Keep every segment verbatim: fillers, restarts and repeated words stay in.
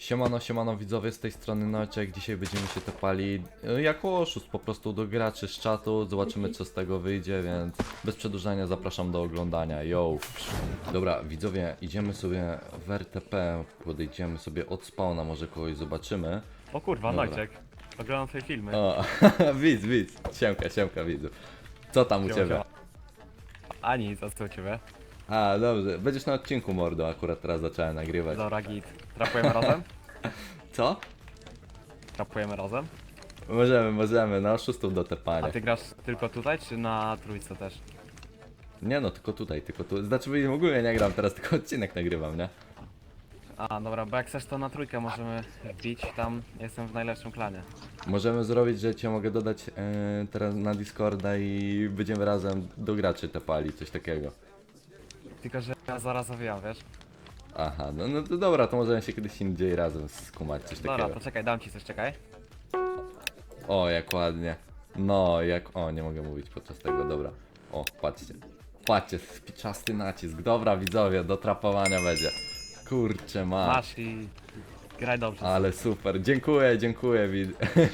Siemano, siemano widzowie, z tej strony Noczek. Dzisiaj będziemy się tepali e, jako oszust po prostu do graczy z czatu. Zobaczymy co z tego wyjdzie, więc bez przedłużania zapraszam do oglądania. Yo! Dobra widzowie, idziemy sobie w R T P, podejdziemy sobie od spawna, może kogoś zobaczymy. O kurwa, Dobra. Nojczek. Oglądam twoje filmy. O, widz, widz, siemka, siemka widzu. Co tam u Siema, ciebie? siema. A nic, a co u ciebie? A, dobrze, będziesz na odcinku mordo, akurat teraz zacząłem nagrywać. Dobra, git. Trapujemy razem? Co? Trapujemy razem? Możemy, możemy, na oszustów do tepania. A ty grasz tylko tutaj, czy na trójce też? Nie no, tylko tutaj, tylko tu. Znaczy w ogóle nie gram teraz, tylko odcinek nagrywam, nie? A, dobra, bo jak chcesz to na trójkę możemy wbić, tam jestem w najlepszym klanie. Możemy zrobić, że cię mogę dodać e, teraz na Discorda i będziemy razem do graczy tepali, coś takiego. Tylko, że ja zaraz zawijam, wiesz? Aha, no, no to dobra, to możemy się kiedyś indziej razem skumać, coś Dobra, takiego. to czekaj, dam ci coś, czekaj. O, jak ładnie. No, jak... O, nie mogę mówić podczas tego, dobra. O, patrzcie. Patrzcie, spiczasty nacisk. Dobra, widzowie, do trapowania będzie. Kurczę, ma. Masz i graj dobrze. Ale super, dziękuję, dziękuję, wid...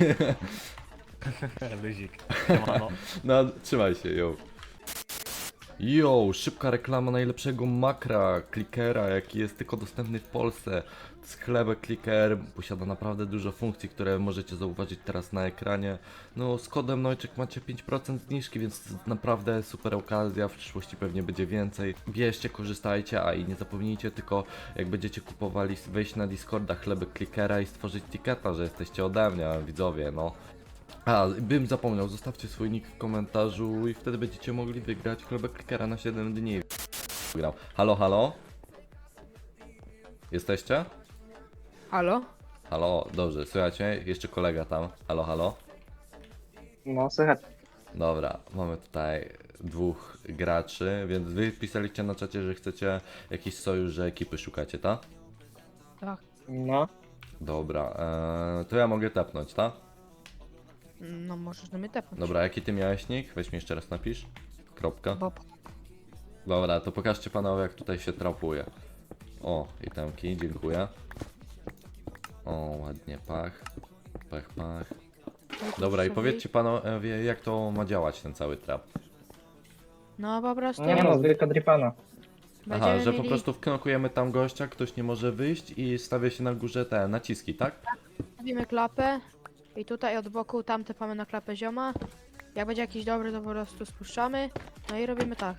Luzik. Siemano. No, trzymaj się, yo. Yo, szybka reklama najlepszego makra, clickera, jaki jest tylko dostępny w Polsce. Sklep Clicker posiada naprawdę dużo funkcji, które możecie zauważyć teraz na ekranie. No, z kodem Nojczek macie pięć procent zniżki, więc naprawdę super okazja, w przyszłości pewnie będzie więcej. Bierzcie, korzystajcie, a i nie zapomnijcie tylko, jak będziecie kupowali, wejść na Discorda chleby Clickera i stworzyć ticketa, że jesteście ode mnie, widzowie, no. A, bym zapomniał, zostawcie swój nick w komentarzu i wtedy będziecie mogli wygrać chlebek Clickera na siedem dni. Grał. Halo, halo? Jesteście? Halo? Halo, dobrze, słuchajcie, jeszcze kolega tam. Halo, halo? No, słychać. Dobra, mamy tutaj dwóch graczy, więc wy pisaliście na czacie, że chcecie jakiś sojusz, że ekipy szukacie, tak? Tak. No. Dobra, eee, to ja mogę tepnąć, tak? No możesz do mnie tepnąć. Dobra, jaki ty miałeś nick? Weź mi jeszcze raz napisz. Kropka. Bob. Dobra, to pokażcie panowie, jak tutaj się trapuje. O, itemki, dziękuję. O, ładnie, pach. Pach, pach. Dobra, i powiedzcie panowie, jak to ma działać, ten cały trap. No po prostu Nie no, zwykła dripana. Aha, będziemy że po mieli- prostu wknokujemy tam gościa, ktoś nie może wyjść i stawia się na górze te naciski, tak? Stawimy klapę i tutaj od boku tam tepamy na klapę zioma. Jak będzie jakiś dobry, to po prostu spuszczamy. No i robimy tak.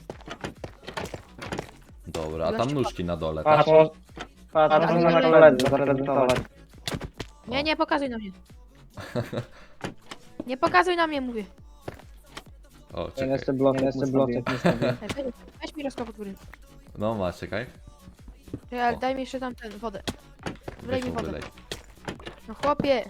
Dobra, a tam nóżki na dole, tak? Patrz, mo- patrz, Ale można na dalej- koledze zaprezentować. Nie, nie pokazuj na mnie. Nie pokazuj na mnie, mówię. O, Ja czekaj. jeszcze bloczek, jeszcze bloczek nie stawię. Ej, weź, weź mi rozkop od góry. No masz, czekaj. Ej, ale O. daj mi jeszcze tam ten, wodę. Wlej Weź mi mu wodę. wylej. No chłopie.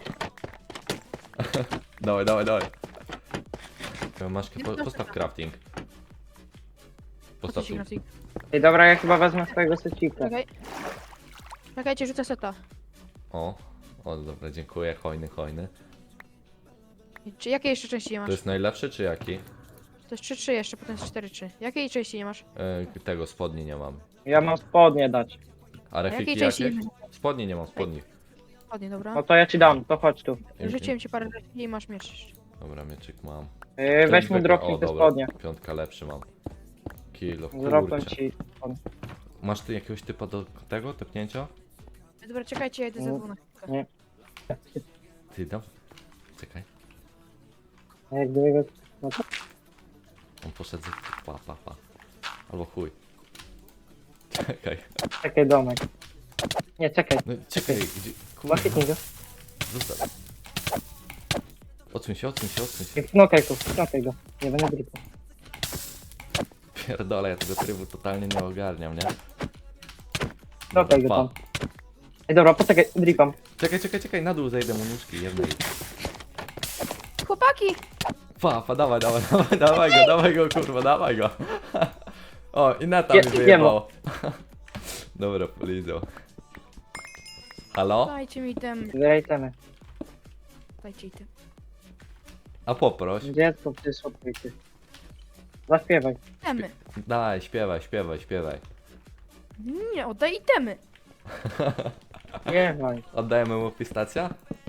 Dawaj, dawaj, dawaj. Masz, Nie po, proszę. postaw crafting. Po co Postaw ci tu. grafik? Ej, dobra, ja chyba wezmę swojego secika. Czekaj. Czekajcie, rzucę seta. O, o dobra, dziękuję, hojny, hojny. Czy jakie jeszcze części nie masz? To jest najlepszy czy jaki? To jest trzy trzy jeszcze, potem jest cztery trzy. Jakiej części nie masz? E, tego, spodni nie mam. Ja mam spodnie dać. A A refiki jakiej części jakie? nie masz? Spodni nie mam, spodni. Ładnie, dobra. No to ja ci dam, to chodź tu. Rzuciłem ci parę rzeczy i masz miecz jeszcze. Dobra, mieczyk mam. Yy, weź mu Zwykły- dropnij o, te dobra, spodnie. Piątka lepszy mam. Kilo, Dropnę kurczę. ci. Masz ty jakiegoś typa do tego, tepnięcia? Dobra, czekajcie, ja idę ze Nie. dwóch na chwilkę. Nie. Ty dam? Czekaj. A jak gdyby go... No to... On poszedł za... Pa, pa, pa. Albo chuj. Czekaj. Czekaj, domek. Nie, czekaj. No czekaj, gdzie... Kurwa, Łapie go. zostaw. Odsuń się, odsuń się, odsuń się. Nie knokaj go, knokaj go. Nie będę dripał. Pierdolę, ja tego trybu totalnie nie ogarniam, nie? Knokaj go Pa. tam. Ej, dobra, poczekaj, dripam. Czekaj, czekaj, czekaj, na dół zejdę mu nóżki jednej. Chłopaki! Pa, pa, dawaj, dawaj, dawaj, dawaj go, dawaj go, kurwa, dawaj go. O, i na tam Je- mi jemu. wyjebało. Dobra, polizał. Halo? Dajcie mi ten. Zrejtemy. Dajcie mi ten. A poproś. Dziecko przyszło, ty. Zaśpiewaj. Itemy. Daj, śpiewaj, śpiewaj, śpiewaj. Nie, oddaj itemy. Śpiewaj. Oddajemy mu pistacja?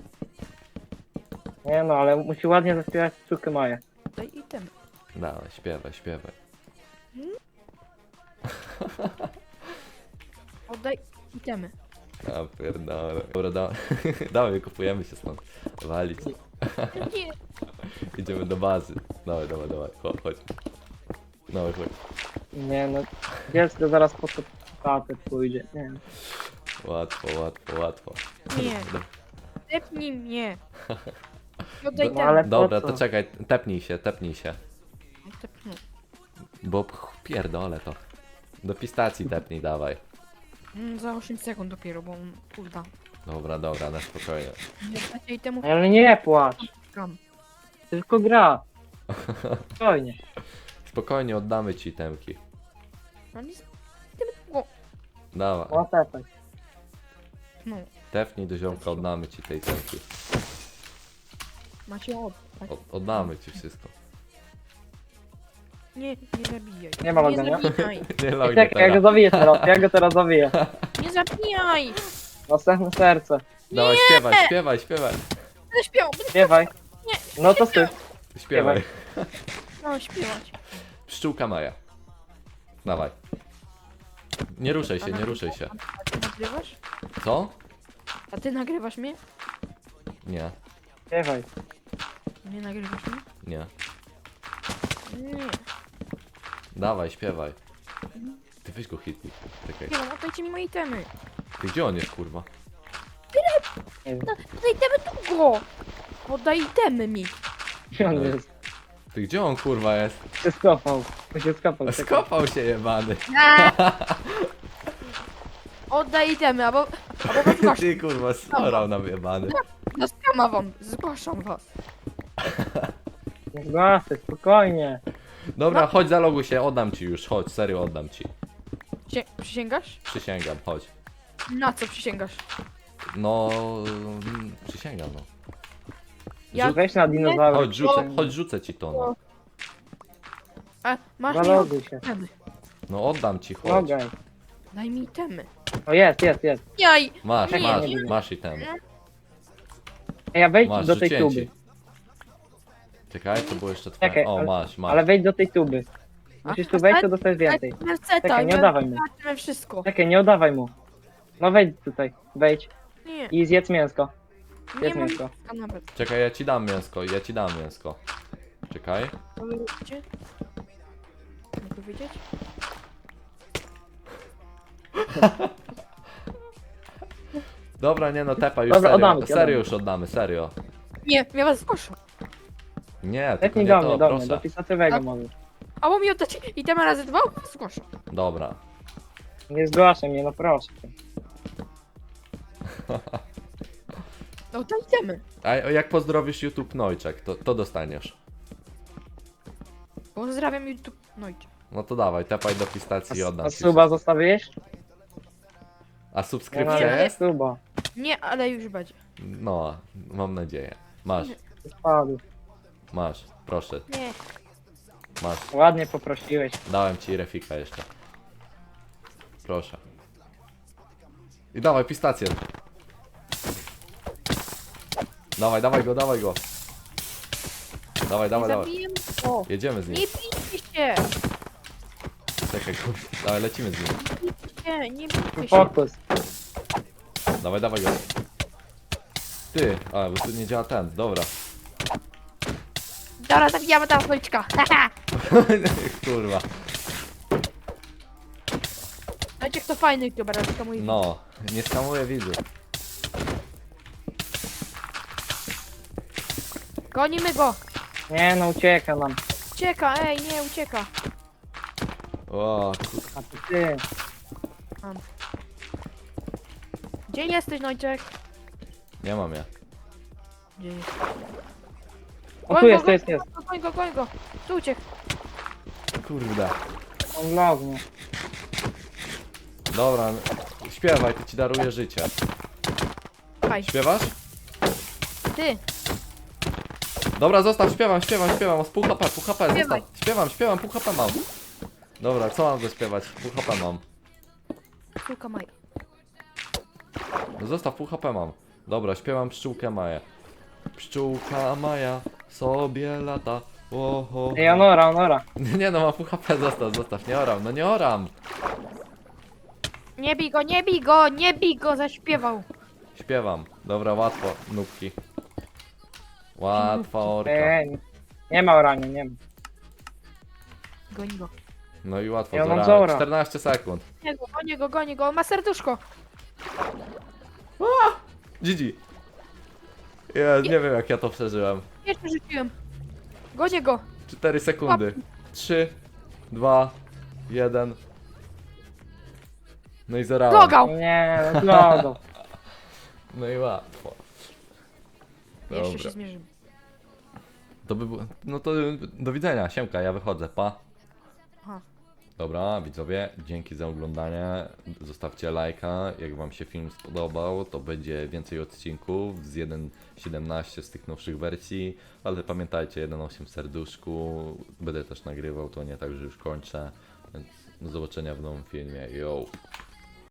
Nie no, ale musi ładnie zaśpiewać córkę Maję. Daj item. Dawaj, śpiewaj, śpiewaj. Oddaj itemy. A pierdolę. Dobra, da... dawaj, kupujemy się stąd. Walić. Nie. Idziemy do bazy. Dawaj, dawaj, dawaj, chodź, chodź. Dawaj, chodź. Nie no, dziecko zaraz po to tatę pójdzie. Nie. Łatwo, łatwo, łatwo. Nie. Tepnij mnie. Oddaj Do- No ale itemy. Dobra, po to co? czekaj, tepnij się, tepnij się. Tepnij. Bo ch- pierdolę to. Do pistacji tepnij, dawaj. Mm, Za osiem sekund dopiero, bo on kurwa. Dobra, dobra, na spokojnie. Nie dacie itemów Ale nie płacz, kam. tylko gra. Spokojnie. Spokojnie oddamy ci temki. No nie. Itemy. O. Dawaj, No tepaj. No. tepnij do ziomka, oddamy ci tej temki. Macie oddać. O- oddamy ci wszystko. Nie, nie zabijaj. Nie ma Nie logania? zabijaj. Nie Ej, lognie czekaj, ja go teraz. zawiję teraz, ja go teraz zawiję. Nie zabijaj. Następne serce. Dawaj, śpiewaj, śpiewaj, śpiewaj. Będę śpiewał. Będę Śpiewaj. No to ty. Śpiewaj. no, śpiewać. Pszczółka Maja. Dawaj. Nie ruszaj się, nie ruszaj się. A ty nagrywasz? Co? A ty nagrywasz mnie? Nie, Śpiewaj. Nie nagrywasz mnie? nie. Nie. Dawaj, śpiewaj. Ty weź go hitnij. Czekaj. Nie, no oddajcie mi moje itemy. Ty gdzie on jest, kurwa? Nie wiem, No, oddaj itemy tu go. Oddaj itemy mi. gdzie on jest. Ty gdzie on, kurwa, jest? Się skopał. On się skopał. czekaj. Skopał się jebany. Oddaj itemy, albo... Albo was zgłaszam. Ty, kurwa, storał nam jebany. No skama wam. Zgłaszam was. Nie zgłaszaj, spokojnie. Dobra, chodź, zaloguj się, oddam ci już, chodź, serio oddam ci. Cie, przysięgasz? Przysięgam, chodź. Na co przysięgasz? No, mm, przysięgam, no. Ja- Weź na dinozaura. Chodź, rzucę, chodź, rzucę ci to, no. A, masz mi Zaloguj się. itemy. No oddam ci, chodź. Logaj. Daj mi itemy. O jest, jest, jest. Jaj! Masz, Nie, masz, nie. masz i ten. Ej, a wejdź Masz, do tej rzuciłem tuby. ci. Czekaj, to było jeszcze twoje. Czekaj, O, ale- masz, masz. Ale wejdź do tej tuby. Musisz tu wejść, to dostajesz więcej. Merceta, Czekaj, nie oddawaj mu. Zobaczymy wszystko. Czekaj, nie oddawaj mu. No wejdź tutaj, wejdź Nie, i zjedz mięsko. nie Zjedz mam mięsko. mięska nawet. Czekaj, ja ci dam mięsko, ja ci dam mięsko. Czekaj. To wy robicie? Mogę wiedzieć? Dobra, nie no, tepa już Dobra, serio. oddamy ci, Serio oddamy. już oddamy, serio. Nie, ja was zgłoszę. Nie, tylko Zetnij nie do to, mnie, do mnie, do proszę. pisatywego A- może. Albo mi oddacie itemy razy dwa? Zgłoszę. Dobra. Nie zgłaszaj mnie, no proszę. No to itemy. A jak pozdrowisz YouTube Nojczek, to, to dostaniesz. Pozdrawiam YouTube. No idź. No to dawaj, tepaj do A, pistacji i oddam a ci. suba zostawiłeś? A Nie subskrypcja Nie. jest? Suba. Nie, ale już będzie. No, mam nadzieję. Masz, Spadł. masz, proszę, Nie. masz. Ładnie poprosiłeś. Dałem ci refika jeszcze. Proszę. I dawaj pistację. Dawaj, dawaj go, dawaj go. Dawaj, dawaj, nie dawaj. zabiję go. Jedziemy z nim. Nie bijcie się. Czekaj, kurwa. Dawaj, lecimy z nim. Nie, nie bijcie się. Fokus. Dawaj, dawaj go. Ty, a, bo tu nie działa ten, dobra. Dobra, zabijamy tam policzka. Haha. Kurwa. Dajcie kto fajny youtuber, ale to mój. No, nie skamuję widzów. Gonimy go. Nie no, ucieka nam. Ucieka, ej, nie, ucieka. O, kur... A to ty. Gdzie jesteś, Nojczek? nie mam ja. Gdzie jest? O tu jest, tu jest, jest. Goń go, goń go. Tu uciekł. Kurde. On lognie. Dobra, śpiewaj, to ci daruję życie. Haj, Śpiewasz? ty. Dobra, zostaw, śpiewam, śpiewam, śpiewam, z pół H P, pół H P, Śpiewaj. zostaw. Śpiewam, śpiewam, pół H P mam. Dobra, co mam zaśpiewać? Pół H P mam. Suka Maja. No zostaw, pół H P mam. Dobra, śpiewam pszczółkę Maję. Pszczółka Maja sobie lata. Oho. Ej, Onora, Onora. Nie no, mam pół H P, zostaw, zostaw, nie oram, no nie oram. Nie bij go, nie bij go, nie bij go, zaśpiewał. Śpiewam. Dobra, łatwo, nóbki. Łatwa orka. Ej, nie ma orania, nie ma. Goni go. No i łatwo, Ja mam Zora. Zora. czternaście sekund. Nie go, goni go, goni go, on ma serduszko. G G. Ja nie wiem jak ja to przeżyłem. Jeszcze rzuciłem. Gonię go. cztery sekundy. trzy, dwa, jeden. No i zerałem. Logał. Nie, no, no. No i łatwo. Jeszcze Dobra. się zmierzymy. To by było... No to do widzenia, siemka, ja wychodzę, pa. Aha. Dobra, widzowie, dzięki za oglądanie. Zostawcie lajka, jak wam się film spodobał, to będzie więcej odcinków z jeden siedemnaście z tych nowszych wersji, ale pamiętajcie, jeden osiem w serduszku, będę też nagrywał, to nie tak, że już kończę, więc do zobaczenia w nowym filmie, yo!